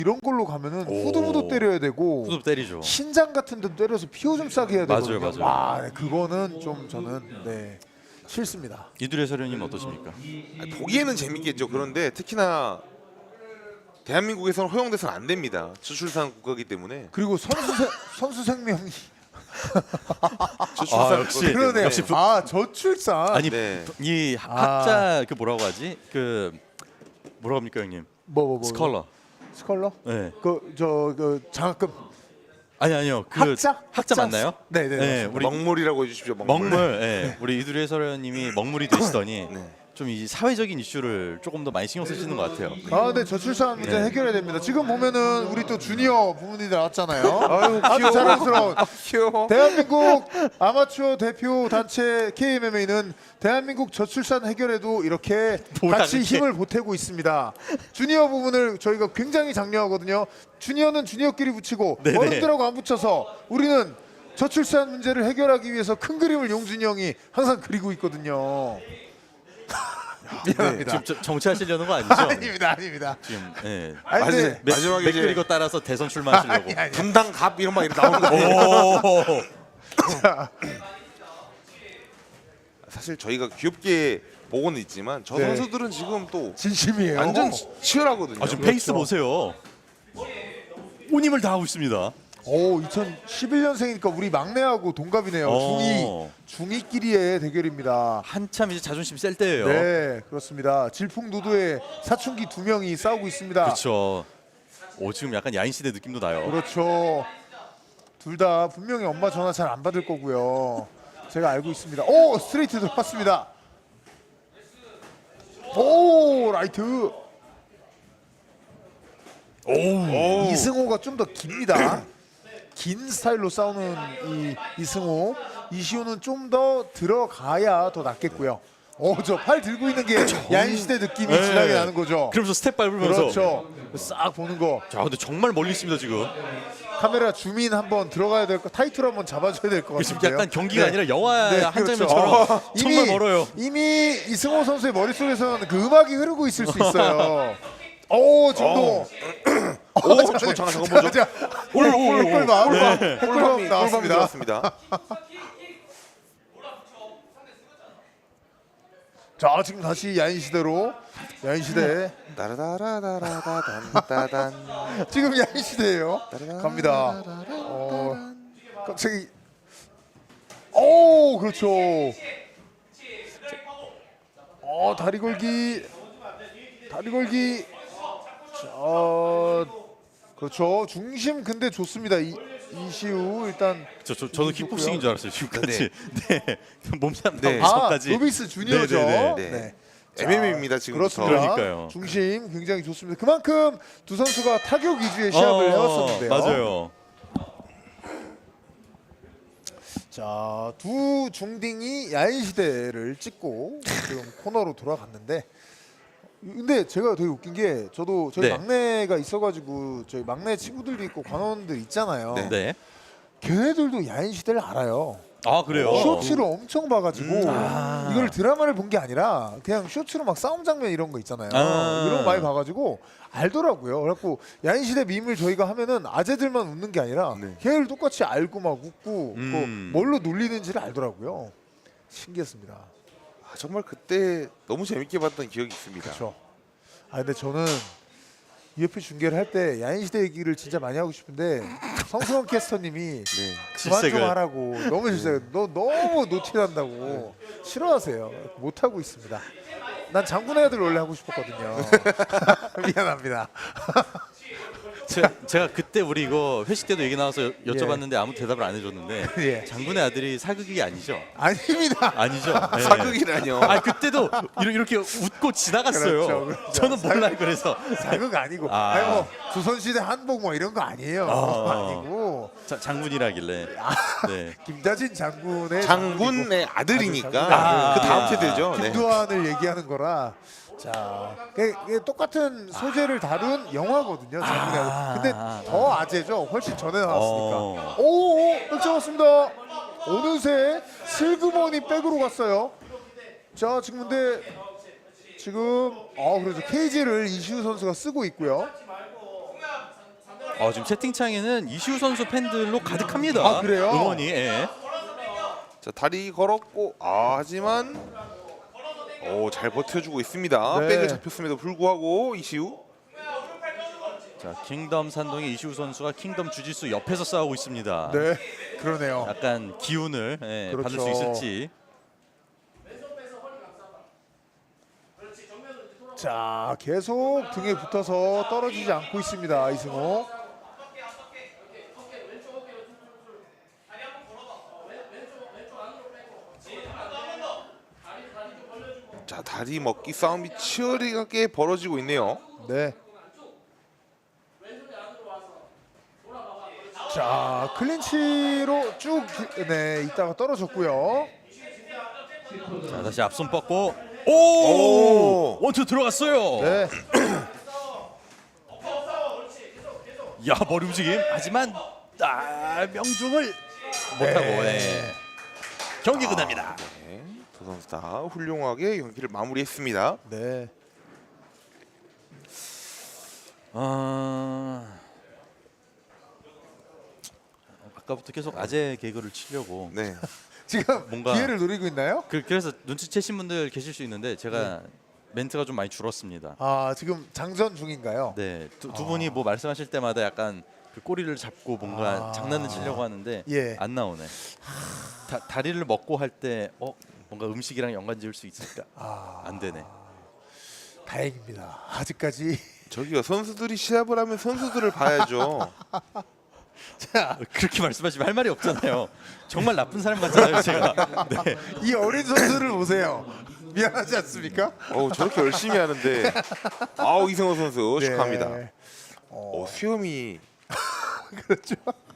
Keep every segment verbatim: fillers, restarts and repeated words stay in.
이런 걸로 가면은 후두부도 때려야 되고 후두 때리죠. 신장 같은 데도 때려서 피오 좀 싸게 해야 되거든요. 맞아요, 맞아요. 와, 네, 그거는 좀 저는 네 싫습니다. 이두리 해설위원님 어떠십니까? 아니, 보기에는 재밌겠죠. 그런데 특히나 대한민국에서는 허용돼서는 안 됩니다. 저출산 국가이기 때문에. 그리고 선수 세, 선수 생명이 저출산 아, 역시. 국가이기 때문에. 그러네. 역시 부- 아 저출산. 아니 네. 이 아. 학자 그 뭐라고 하지? 그 뭐라고 합니까 형님? 뭐 뭐 뭐. 스컬러. 스컬러? 네. 그 저 그 장학금. 아니 아니요. 그 학자? 학자 맞나요? 네, 네. 네, 맞습니다. 우리 먹물이라고 해주십시오. 먹물. 먹물. 예. 우리 이두리 해설위원님이 먹물이 되시더니 네. 좀 이 사회적인 이슈를 조금 더 많이 신경 쓰시는 것 같아요. 아, 네, 저출산 문제 네. 해결해야 됩니다. 지금 보면은 우리 또 주니어 부모님들 나왔잖아요. 아유, 아주 귀여워. 자랑스러운 귀여워. 대한민국 아마추어 대표 단체 케이엠엠에이는 대한민국 저출산 해결에도 이렇게 뭐야, 같이 그게. 힘을 보태고 있습니다. 주니어 부분을 저희가 굉장히 장려하거든요. 주니어는 주니어끼리 붙이고 네네. 어른들하고 안 붙여서 우리는 저출산 문제를 해결하기 위해서 큰 그림을 용준이 형이 항상 그리고 있거든요. 미안합니다. 지금 저- 정치하시려는 거 아니죠? 아닙니다, 아닙니다. 지금 예. 아니, 마지- 근데 맥- 마지막에 맥 이제 그리고 따라서 대선 출마하시려고. 아니, 아니. 분당 갑 이런 막 이렇게 나오는 거 아니에요? 오. 사실 저희가 귀엽게 보고는 있지만 저 네. 선수들은 지금 또 진심이에요. 완전 치- 치열하거든요. 아, 지금 그렇죠. 페이스 보세요. 온 힘을 다하고 있습니다. 오, 이천십일 년생이니까 우리 막내하고 동갑이네요. 어. 중이 중이끼리의 대결입니다. 한참 이제 자존심 셀 때예요. 네, 그렇습니다. 질풍노도의 사춘기 두 명이 싸우고 있습니다. 그렇죠. 오 지금 약간 야인 시대 느낌도 나요. 그렇죠. 둘 다 분명히 엄마 전화 잘 안 받을 거고요. 제가 알고 있습니다. 오, 스트레이트 들어갔습니다. 오, 라이트. 오. 이승호가 좀 더 깁니다. 긴 스타일로 싸우는 이 이승호, 이시호는 좀 더 들어가야 더 낫겠고요. 오, 저 팔 들고 있는 게 야인 시대 느낌이 네. 진하게 나는 거죠. 그러면서 스텝 밟으면서. 그렇죠. 싹 보는 거. 자 근데 정말 멀리 있습니다 지금. 카메라 줌인 한번 들어가야 될 거, 타이틀 한번 잡아줘야 될 것 지금 같은데요. 약간 경기가 네. 아니라 영화 네, 한 그렇죠. 장면처럼 어, 정말 이미- 멀어요. 이미 이승호 선수의 머릿속에서는 그 음악이 흐르고 있을 수 있어요. 오, 지금도. 오, 잠깐 잠깐 잠깐 보죠. 꿀꿀꿀꿀 꿀밤. 꿀밤 꿀밤이 꿀밤이 나왔습니다. 들어왔습니다. 자, 지금 다시 야인 시대로 야인 시대. 따라다라다라다단. 지금 야인 시대예요. 갑니다. 어, 갑자기. 오, 그렇죠. 어, 다리 걸기. 다리 걸기. 자, 그렇죠. 중심 근데 좋습니다. 이, 이시우 일단. 저, 저 저도 좋고요. 킥복싱인 줄 알았어요 지금까지. 네. 몸싸움 네. 아, 나오기까지. 노비스 주니어죠. 네, 네, 네. 네. 엠엠에이입니다 지금. 그렇습니다. 그러니까요. 중심 굉장히 좋습니다. 그만큼 두 선수가 타격 위주의 시합을 해왔었는데요. 맞아요. 자, 두 중딩이 야인 시대를 찍고 지금 코너로 돌아갔는데, 근데 제가 되게 웃긴 게 저도 저희 네. 막내가 있어가지고 저희 막내 친구들도 있고 관원들 있잖아요. 네. 네. 걔네들도 야인 시대를 알아요. 아 그래요. 쇼츠를 엄청 봐가지고 음. 아. 이걸 드라마를 본 게 아니라 그냥 쇼츠로 막 싸움 장면 이런 거 있잖아요. 아. 이런 거 많이 봐가지고 알더라고요. 그래갖고 야인 시대 밈을 저희가 하면은 아재들만 웃는 게 아니라 네. 걔를 똑같이 알고 막 웃고 음. 또 뭘로 놀리는지를 알더라고요. 신기했습니다. 아, 정말 그때 너무 재밌게 봤던 기억이 있습니다. 그렇죠. 아 근데 저는 유에프씨 중계를 할 때 야인 시대 얘기를 진짜 많이 하고 싶은데 성수원 캐스터님이 네. 그만 좀 질색을. 하라고 너무 질색. 너 너무 노티난다고 싫어하세요. 못 하고 있습니다. 난 장군의 아들 원래 하고 싶었거든요. 미안합니다. 제가, 제가 그때 우리 이거 회식 때도 얘기 나와서 여- 여쭤봤는데 아무 대답을 안 해줬는데 예. 장군의 아들이 사극이 아니죠? 아닙니다. 아니죠. 네. 사극이라뇨. 아 그때도 이러- 이렇게 웃고 지나갔어요. 그렇죠, 그렇죠. 저는 몰라요. 그래서 사극 아니고. 아. 아니 뭐 조선시대 한복 뭐 이런 거 아니에요. 아. 아니고 자, 장군이라길래. 네. 김다진 장군의 장군의 아들이니까 아, 그 다음 세대죠. 네. 김두한을 얘기하는 거라. 자, 그게, 그게 똑같은 소재를 다룬 영화거든요. 장군의 아들. 아. 근데 더 아재죠. 훨씬 전에 나왔으니까. 어. 오, 백 잡았습니다. 어느새 슬그머니 백으로 갔어요. 자, 지금 근데 지금 아 그래서 케이지를 이시우 선수가 쓰고 있고요. 어, 지금 채팅창에는 이시우 선수 팬들로 가득합니다. 아, 그래요? 응원이. 예. 자 다리 걸었고 아 하지만 오잘 버텨주고 있습니다. 네. 백을 잡혔음에도 불구하고 이시우. 자, 킹덤 산동의 이시우 선수가 킹덤 주짓수 옆에서 싸우고 있습니다. 네, 그러네요. 약간 기운을 예, 그렇죠. 받을 수 있을지. 자, 계속 등에 붙어서 떨어지지 않고 있습니다. 이승호. 자 다리 먹기 싸움이 치열하게 벌어지고 있네요. 네. 자, 클린치로 쭉 네, 있다가 떨어졌고요. 자, 다시 앞손 뻗고 오! 오! 원투 들어갔어요. 네. 야, 머리 움직임. 하지만 아, 명중을 못하고 예. 경기 끝납니다. 네, 두 선수 다 훌륭하게 경기를 마무리했습니다. 네. 아... 아까부터 계속 아재 개그를 치려고 네. 지금 뭔가- 기회를 노리고 있나요? 그, 그래서 눈치채신 분들 계실 수 있는데 제가 멘트가 좀 많이 줄었습니다. 아, 지금 장전 중인가요? 네, 두, 두 분이 뭐 말씀하실 때마다 약간 그 꼬리를 잡고 뭔가 아. 장난을 치려고 하는데 예. 안 나오네. 다, 다리를 먹고 할 때 어, 뭔가 음식이랑 연관 지을 수 있을까? 아, 안 되네. 다행입니다. 아직까지. 저기요 선수들이 시합을 하면 선수들을 봐야죠. 자, 그렇게 말씀하시면 할 말이 없잖아요. 정말 나쁜 사람 같잖아요, 제가. 네. 이 어린 선수를 보세요. 미안하지 않습니까? 어 저렇게 열심히 하는데 아우 이승호 선수 네. 축하합니다. 어, 어, 수염이 그렇죠.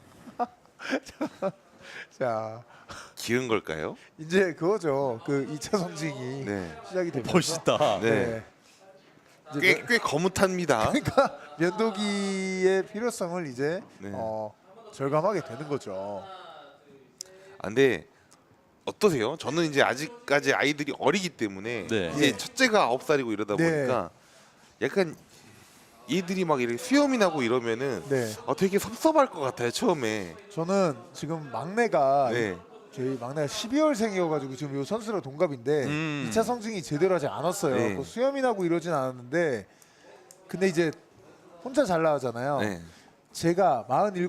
자, 기른 걸까요? 이제 그거죠. 그 이 차 성징이 네. 시작이 되면서 멋있다. 네. 이제 꽤 면- 꽤 거뭇합니다. 그러니까 면도기의 필요성을 이제 네. 어, 절감하게 되는 거죠. 아, 근데 어떠세요? 저는 이제 아직까지 아이들이 어리기 때문에 네. 이제 네. 첫째가 아홉 살이고 이러다 네. 보니까 약간 얘들이 막 이렇게 수염이 나고 이러면은 네. 아, 되게 섭섭할 것 같아요 처음에. 저는 지금 막내가 네. 저희 막내가 십이월생이어가지고 지금 요 선수랑 동갑인데 음. 이 차 성징이 제대로 하지 않았어요. 네. 그 수염이 나고 이러진 않았는데 근데 이제 혼자 잘 나가잖아요. 네. 제가 마흔일곱